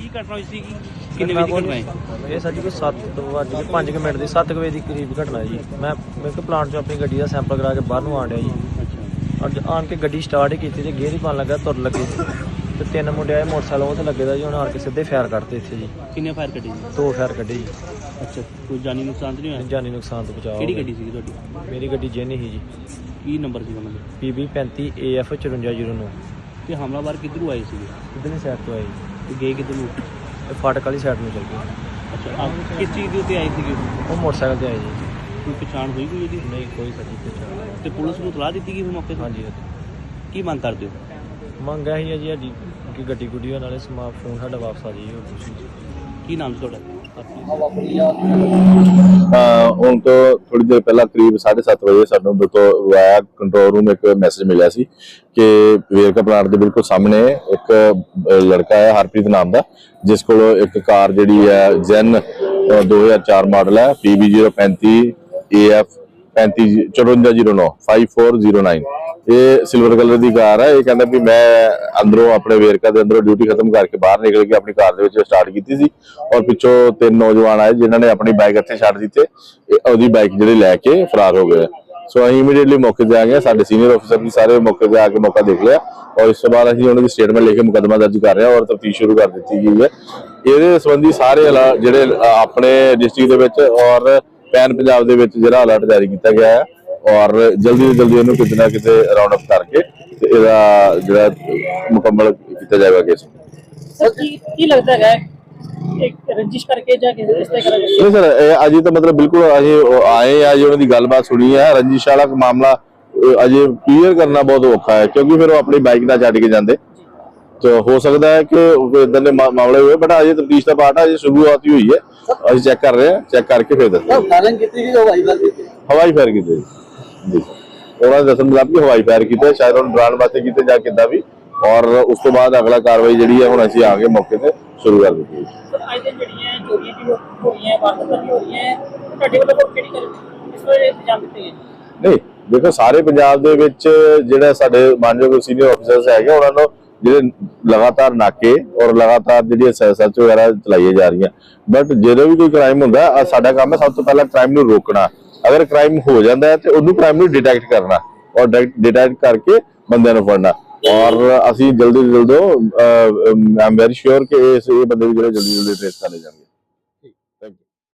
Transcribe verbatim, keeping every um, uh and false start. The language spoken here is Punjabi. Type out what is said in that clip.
ਜੀ ਘਟਨਾ ਹੋਈ ਸੀ ਕਿੰਨੇ ਵਜੇ ਦੀ ਘਟਨਾ ਹੈ? ਇਹ ਸਰ ਜੀ ਕੋਈ ਸੱਤ ਵੱਜ ਕੇ ਪੰਜ ਮਿੰਟ ਦੀ ਸੱਤ ਵਜੇ ਦੀ ਕਰੀਬ ਘਟਨਾ ਜੀ। ਮੈਂ ਮੈਂ ਕਿ ਪਲਾਂਟ 'ਚੋਂ ਆਪਣੀ ਗੱਡੀ ਦਾ ਸੈਂਪਲ ਕਰਾ ਕੇ ਬਾਹਰ ਨੂੰ ਆਣ ਡਿਆ ਜੀ। ਅੱਜ ਆਣ ਕੇ ਗੱਡੀ ਸਟਾਰਟ ਹੀ ਕੀਤੀ ਤੇ ਗੇਅਰ ਹੀ ਪਾਉਣ ਲੱਗਾ, ਤੁਰ ਲੱਗੇ ਤੇ ਤਿੰਨ ਮੁੰਡੇ ਆਏ ਮੋਟਰਸਾਈਕਲ ਉਹ ਤੇ ਲੱਗੇ ਦਾ ਜੀ। ਉਹਨਾਂ ਆਣ ਕੇ ਸਿੱਧੇ ਫਾਇਰ ਕੱਢਤੇ ਇੱਥੇ ਜੀ। ਕਿੰਨੇ ਫਾਇਰ ਕੱਢੇ ਜੀ? ਦੋ ਫਾਇਰ ਕੱਢੇ ਜੀ। ਅੱਛਾ, ਕੋਈ ਜਾਨੀ ਨੁਕਸਾਨ ਤਾਂ ਨਹੀਂ ਹੋਇਆ? ਜਾਨੀ ਨੁਕਸਾਨ ਤੋਂ ਬਚਾਅ। ਕਿਹੜੀ ਗੱਡੀ ਸੀ ਤੁਹਾਡੀ? ਮੇਰੀ ਗੱਡੀ ਜੈਨੀ ਸੀ ਜੀ। ਕੀ ਨੰਬਰ ਸੀ ਉਹਨਾਂ ਦਾ? ਪੀ ਬੀ ਪੈਂਤੀ ਏ ਐਫ ਚੁਰੰਜਾ ਜ਼ੀਰੋ ਨੌ। ਤੇ ਹਮਲਾਵਰ ਕਿੱਧਰੋਂ ਆਏ ਸੀਗੇ? ਕਿੱਧਰਲੀ ਸਾਈਡ ਤੋਂ ਆਏ ਜੀ? ਤੇ ਗਏ ਕਿੱਧਰ ਨੂੰ? ਇਹ ਫਾਟਕ ਵਾਲੀ ਸਾਈਡ ਨੂੰ ਚੱਲ ਗਏ। ਅੱਛਾ, ਆਪ ਕਿਸ ਚੀਜ਼ ਦੇ ਉੱਤੇ ਆਏ ਸੀਗੇ? ਉਹ ਮੋਟਰਸਾਈਕਲ ਤੇ ਆਏ ਜੀ। ਕੋਈ ਪਛਾਣ ਹੋਈ ਕੋਈ ਇਹਦੀ? ਨਹੀਂ ਕੋਈ ਸਾਡੀ ਪਛਾਣ। ਤੇ ਪੁਲਿਸ ਨੂੰ ਇਤਲਾਹ ਦਿੱਤੀ ਗਈ ਫਿਰ ਮੌਕੇ ਤੇ? ਹਾਂਜੀ ਕੀ ਮੰਗ ਕਰਦੇ ਹੋ? ਮੰਗ ਇਹੀ ਹੈ ਜੀ ਸਾਡੀ ਕਿ ਗੱਡੀ ਗੁੱਡੀ ਹੋਣ ਨਾਲੇ ਸਮਾ ਫੋਨ ਸਾਡਾ ਵਾਪਸ ਆ ਜਾਈਏ। ਹੋਰ ਕੁਛ ਨਹੀਂ। ਕੀ ਨਾਮ ਸੀ ਤੁਹਾਡਾ? ਹੁਣ ਤੋਂ ਥੋੜੀ ਦੇਰ ਪਹਿਲਾਂ ਕਰੀਬ ਸਾਢੇ ਸੱਤ ਵਜੇ ਸਾਨੂੰ ਤੋਂ ਵਾਇਆ ਕੰਟਰੋਲ ਰੂਮ ਇੱਕ ਮੈਸੇਜ ਮਿਲਿਆ ਸੀ ਕਿ ਵੇਰਕਾ ਪਲਾਂਟ ਦੇ ਬਿਲਕੁਲ ਸਾਹਮਣੇ ਇੱਕ ਲੜਕਾ ਹੈ ਹਰਪ੍ਰੀਤ ਨਾਮ ਦਾ, ਜਿਸ ਕੋਲ ਇੱਕ ਕਾਰ ਜਿਹੜੀ ਹੈ ਜੈਨ ਦੋ ਹਜ਼ਾਰ ਚਾਰ ਮਾਡਲ ਹੈ ਪੀ ਬੀ ਜ਼ੀਰੋ ਪੈਂਤੀ ਏ ਐਫ ਪੈਂਤੀ ਚੁਰੰਜਾ ਜ਼ੀਰੋ ਨੌ ਫਾਈਵ ਫੋਰ ਜ਼ੀਰੋ ਨਾइन। ਇਹ ਸਿਲਵਰ ਕਲਰ ਦੀ ਕਾਰ ਹੈ। ਇਹ ਕਹਿੰਦਾ ਵੀ ਮੈਂ ਅੰਦਰੋਂ ਆਪਣੇ ਵੇਰਕਾ ਦੇ ਅੰਦਰੋਂ ਡਿਊਟੀ ਖਤਮ ਕਰਕੇ ਬਾਹਰ ਨਿਕਲ ਕੇ ਆਪਣੀ ਕਾਰ ਦੇ ਵਿੱਚ ਸਟਾਰਟ ਕੀਤੀ ਸੀ ਔਰ ਪਿੱਛੋਂ ਤਿੰਨ ਨੌਜਵਾਨ ਆਏ ਜਿਨ੍ਹਾਂ ਨੇ ਆਪਣੀ ਬਾਈਕ ਇੱਥੇ ਛੱਡ ਦਿੱਤੇ। ਉਹਦੀ ਬਾਈਕ ਜਿਹੜੀ ਲੈ ਕੇ ਫਰਾਰ ਹੋ ਗਏ। ਸੋ ਅਸੀਂ ਇਮੀਡੀਏਟਲੀ ਮੌਕੇ ਤੇ ਆ ਗਏ। ਸਾਡੇ ਸੀਨੀਅਰ ਅਫਸਰ ਵੀ ਸਾਰੇ ਮੌਕੇ ਤੇ ਆ ਕੇ ਮੌਕਾ ਦੇਖ ਲਿਆ ਔਰ ਇਸ ਤੋਂ ਬਾਅਦ ਅਸੀਂ ਉਹਨਾਂ ਦੀ ਸਟੇਟਮੈਂਟ ਲੈ ਕੇ ਮੁਕੱਦਮਾ ਦਰਜ ਕਰ ਰਹੇ ਹਾਂ ਔਰ ਤਫਤੀਸ਼ ਸ਼ੁਰੂ ਕਰ ਦਿੱਤੀ ਗਈ ਹੈ। ਇਹਦੇ ਸੰਬੰਧੀ ਸਾਰੇ ਜਿਹੜੇ ਆਪਣੇ ਡਿਸਟ੍ਰਿਕਟ ਦੇ ਵਿੱਚ ਔਰ ਪੈਨ ਪੰਜਾਬ ਦੇ ਵਿੱਚ ਜਿਹੜਾ ਅਲਰਟ ਜਾਰੀ ਕੀਤਾ ਗਿਆ ਹੈ ਔਰ ਜਲਦੀ ਤੋਂ ਜਲਦੀ ਇਹਨੂੰ ਕਿਤੇ ਨਾ ਕਿਤੇ ਰਾਉਂਡ ਅਪ ਕਰਕੇ ਤੇ ਇਹਦਾ ਜਿਹੜਾ ਮੁਕੰਮਲ ਕੀਤਾ ਜਾਏਗਾ ਕੇਸ। ਸਰ ਕੀ ਕੀ ਲੱਗਦਾ ਹੈ ਇੱਕ ਰਜਿਸਟਰ ਕਰਕੇ ਜਾਂ ਕਿਸੇ ਇਸ ਤਰ੍ਹਾਂ ਕਰਾਂਗੇ? ਨਹੀਂ ਸਰ, ਅਜੇ ਤਾਂ ਮਤਲਬ ਬਿਲਕੁਲ ਅਸੀਂ ਆਏ ਆ ਜੀ, ਉਹਨਾਂ ਦੀ ਗੱਲਬਾਤ ਸੁਣੀ ਹੈ। ਰੰਜਿਸ਼ ਵਾਲਾ ਮਾਮਲਾ ਅਜੇ ਕਲੀਅਰ ਕਰਨਾ ਬਹੁਤ ਔਖਾ ਹੈ ਕਿਉਂਕਿ ਫਿਰ ਉਹ ਆਪਣੀ ਬਾਈਕ ਨਾਲ ਛੱਡ ਕੇ ਜਾਂਦੇ ਤੇ ਹੋ ਸਕਦਾ ਹੈ ਕਿ ਇਦਾਂ ਦੇ ਮਾਮਲੇ ਹੋਏ, ਬਟ ਅਜੇ ਤਫਤੀਸ਼ ਦਾ ਪਾਰਟ ਅਜੇ ਸ਼ੁਰੂਆਤ ਹੀ ਹੋਈ ਹੈ। ਅਸੀਂ ਚੈੱਕ ਕਰ ਰਹੇ ਹਾਂ, ਚੈੱਕ ਕਰਕੇ ਫਿਰ ਦੱਸਾਂਗੇ। ਹਵਾਈ ਫਾਇਰ ਕੀਤੇ ਜੀ, ਉਹਨਾਂ ਦੇ ਦੱਸਣ ਮੁਤਾਬਕ ਹਵਾਈ ਫਾਇਰ ਕੀਤੇ, ਸ਼ਾਇਦ ਉਹਨੂੰ ਡਰਾਉਣ ਵਾਸਤੇ ਕੀਤੇ ਜਾਂ ਕਿੱਦਾਂ ਵੀ। ਔਰ ਉਸ ਤੋਂ ਬਾਅਦ ਅਗਲਾ ਕਾਰਵਾਈ ਜਿਹੜੀ ਹੈ ਹੁਣ ਅਸੀਂ ਆ ਕੇ ਮੌਕੇ ਤੇ ਸ਼ੁਰੂ ਕਰ ਦਿੱਤੀ ਹੈ। ਸਰ ਅੱਜ ਦਿਨ ਜਿਹੜੀਆਂ ਚੋਰੀਆਂ ਵੀ ਹੋ ਰਹੀਆਂ, ਵਾਰਦਾਤਾਂ ਵੀ ਹੋ ਰਹੀਆਂ, ਤੁਹਾਡੇ ਵੱਲੋਂ ਕਿਹੜੀ ਕਰ ਇਸ ਵੇਲੇ ਇੰਤਜ਼ਾਮ ਕੀਤੇ ਗਏ? ਨਹੀਂ ਦੇਖੋ, ਸਾਰੇ ਪੰਜਾਬ ਦੇ ਵਿੱਚ ਜਿਹੜਾ ਸਾਡੇ ਮਾਨਯੋਗ ਸੀਨੀਅਰ ਅਫਸਰਸ ਹੈਗੇ ਉਹਨਾਂ ਨੂੰ ਜਿਹੜੇ ਲਗਾਤਾਰ ਨਾਕੇ ਔਰ ਲਗਾਤਾਰ ਜਿਹੜੀ ਸਰਚ ਵਗੈਰਾ ਚਲਾਈਆਂ ਜਾ ਰਹੀਆਂ। ਬਟ ਜਦੋਂ ਵੀ ਕੋਈ ਕ੍ਰਾਈਮ ਹੁੰਦਾ ਸਾਡਾ ਕੰਮ ਹੈ ਸਭ ਤੋਂ ਪਹਿਲਾਂ ਕ੍ਰਾਈਮ ਨੂੰ ਰੋਕਣਾ। ਅਗਰ ਕ੍ਰਾਈਮ ਹੋ ਜਾਂਦਾ ਹੈ ਤੇ ਉਹਨੂੰ ਕ੍ਰਾਈਮ ਨੂੰ ਡਿਟੈਕਟ ਕਰਨਾ ਔਰ ਡਿਟੈਕਟ ਕਰਕੇ ਬੰਦਿਆਂ ਨੂੰ ਫੜਨਾ। ਔਰ ਅਸੀਂ ਜਲਦੀ ਤੋਂ ਜਲਦ ਆਈ ਐਮ ਵੈਰੀ ਸ਼ੋਰ ਕਿ ਇਹ ਬੰਦੇ ਵੀ ਜਿਹੜੇ ਜਲਦੀ ਜਲਦੀ ਟ੍ਰੇਸ ਕਰ ਲਏ ਜਾਣਗੇ।